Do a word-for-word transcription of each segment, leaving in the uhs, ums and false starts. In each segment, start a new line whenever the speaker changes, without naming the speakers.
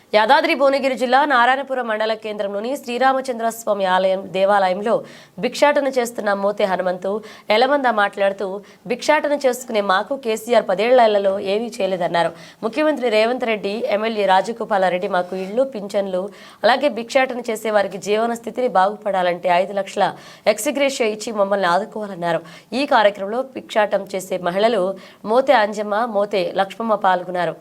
యాదాద్రి భువనగిరి జిల్లా నారాయణపురం మండల కేంద్రంలోని శ్రీరామచంద్రస్వామి ఆలయం దేవాలయంలో భిక్షాటన చేస్తున్న మోతే హనుమంతు ఎలమంద మాట్లాడుతూ భిక్షాటన చేసుకునే మాకు కేసీఆర్ పదేళ్లలో ఏమీ చేయలేదన్నారు. ముఖ్యమంత్రి రేవంత్ రెడ్డి, ఎమ్మెల్యే రాజగోపాలరెడ్డి మాకు ఇళ్లు, పింఛన్లు, అలాగే భిక్షాటన చేసే వారికి జీవన స్థితిని బాగుపడాలంటే ఐదు లక్షల ఎక్స్గ్రేషియా ఇచ్చి మమ్మల్ని ఆదుకోవాలన్నారు. ఈ కార్యక్రమంలో భిక్షాటం చేసే మహిళలు మోతే అంజమ్మ, మోతే లక్ష్మమ్మ పాల్గొన్నారు.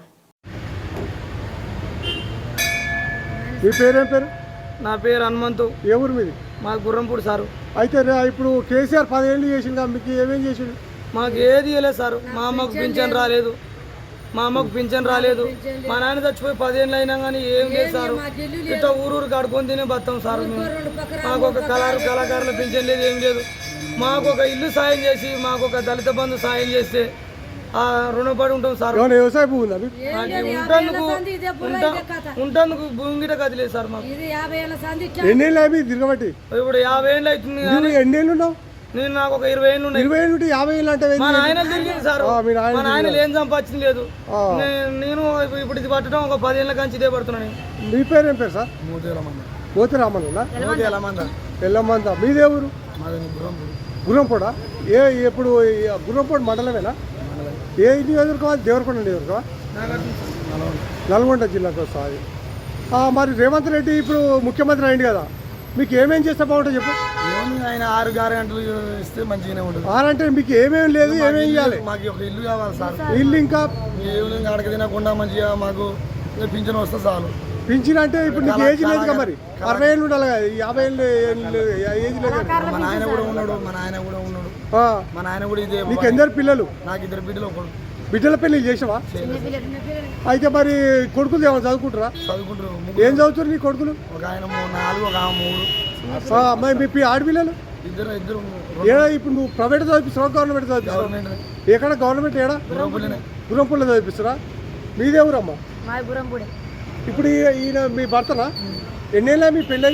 మీ పేరేం పేరు?
నా పేరు హనుమంతు.
ఏ ఊరు మీది?
మా గుర్రంపూడి సారు.
అయితే ఇప్పుడు కేసీఆర్ పదేళ్ళు చేసింది, మీకు ఏమేం చేసిండు?
మాకు ఏది ఇవ్వలేదు సారు. మా అమ్మకు పింఛన్ రాలేదు, మా అమ్మకు పింఛన్ రాలేదు. మా నాన్న చచ్చిపోయి పదేళ్ళు అయినా కానీ ఏం లేదు సారు. ఇట్లా ఊరూరు కడుకొని తినే బతాం సారు. మేము మాకు ఒక కళారు కళాకారుల పింఛన్ లేదు, ఏం లేదు. మాకు ఒక ఇల్లు సాయం చేసి, మాకు ఒక దళిత బంధు సాయం చేస్తే రుణపడి ఉంటాం సార్.
వ్యవసాయ భూమి ఉందా?
ఉంటందుకు ఉంటందుకు భూమి గిట కదిలేదు సార్. మాకు
ఎన్నేళ్ళు అవి తిరగబట్టి?
ఇప్పుడు యాభై ఏళ్ళు అవుతుంది.
ఎన్నేళ్ళు ఉన్నావు?
నేను నాకు ఒక ఇరవై ఏళ్ళు ఉన్నాయి.
ఇరవై ఏళ్ళు యాభై ఏళ్ళు అంటే
మా నాయన తిరిగింది సార్. మా నాయన ఏం సంపాదించింది లేదు. నేను ఇప్పుడు ఇది పట్టడం ఒక పదేళ్ళ కంచి ఇదే పడుతున్నాను.
మీ పేరు ఏం పేరు సార్? మోతి రామన్న. ఎల్లమంద. మీదే ఊరు? గుర్రంపూడ. ఏ ఎప్పుడు గుర్రంపూడ మండలమేనా? ఏ నియోజకవర్గం? దేవరకొండ నియోజకవర్గం, నల్గొండ జిల్లాకు వస్తుంది. మరి రేవంత్ రెడ్డి ఇప్పుడు ముఖ్యమంత్రి అయింది కదా, మీకు ఏమేం చేస్తే బాగుంటుంది చెప్పు?
ఆయన ఆరు ఆరు గంటలు ఇస్తే మంచిగానే ఉంటుంది.
ఆరు అంటే మీకు ఏమేమి లేదు, ఏమేమి చేయాలి?
మాకు ఒక ఇల్లు కావాలి సార్.
ఇల్లు ఇంకా
అడగ తినకుండా మంచిగా మాకు పింఛన్ వస్తే చాలు.
పింఛన్ అంటే ఇప్పుడు నీకు ఏజ్ లేదు కదా, మరి అరవై ఏళ్ళు ఉండాలి కదా, యాభై ఏళ్ళు ఏజ్ లేదు.
మా నాయన కూడా ఉన్నాడు, మా నాయన కూడా ఉన్నాడు, మా నాయన కూడా ఇదే.
నీకు ఎందరు పిల్లలు?
నాకు ఇద్దరు బిడ్డలు. ఒకడు
బిడ్డల పెళ్లి చేసావా? అయితే మరి కొడుకులు ఏమైనా చదువుకుంటారా?
చదువుకుంటారు.
ఏం చదువుతారు నీ కొడుకులు?
ఒక ఆయన నాలుగు, ఒక ఆమె మూడు.
మరి మీ ఆడపిల్లలు?
ఇద్దరు ఇద్దరు.
ఏడా ఇప్పుడు నువ్వు ప్రైవేట్ చదివిస్తున్నావు, గవర్నమెంట్ చదివిస్తున్నావు? ఎక్కడ గవర్నమెంట్? ఏడా? గుర్రంపూడిలో చదివిస్తురా. మీదే ఊరమ్మా? ఇప్పుడు ఈయన మీ భర్తనా? ఎన్నేళ్ళ మీ పెళ్ళి?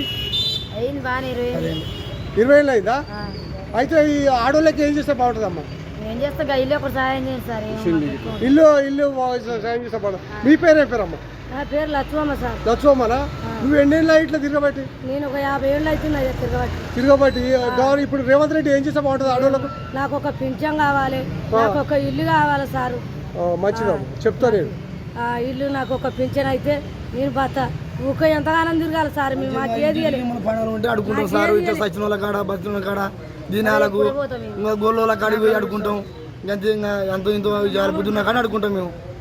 ఇరవై ఏళ్ళు అయిందా? అయితే ఈ ఆడోళ్ళకి ఏం చేస్తే బాగుంటుందమ్మా? ఇల్లు ఇల్లు సాయం చేస్తే బాగుంటుంది. మీ పేరు ఏం పేరమ్మా?
పేరు లక్ష్మమ్మ సార్.
లక్ష్మమ్మనా? నువ్వు ఎన్నేళ్ళ ఇట్లా తిరగబట్టి?
నేను ఒక యాభై ఏళ్ళు అవుతుంది తిరగబట్టి.
తిరగబట్టి ఇప్పుడు రేవంత్ రెడ్డి ఏం చేస్తే బాగుంటుంది ఆడోళ్ళకు?
నాకు ఒక పింఛన్ కావాలి, నాకు ఒక ఇల్లు కావాలి సారు.
మంచిదమ్మా, చెప్తా నేను.
ఇల్లు నాకు ఒక పింఛన్ అయితే నేను బత ఊక ఎంతగానో తిరగాలి సార్. మేము మాకు ఏది
పండుగలు ఉంటే అడుకుంటాం సార్. ఇట్లా సచిన వాళ్ళ కాడ, బతుల కాడ, దినాలకు గోళ్ళ కాడికి పోయి అడుకుంటాం. ఎంత ఇంత బుద్ధి ఉన్న కాడ అడుకుంటాం మేము.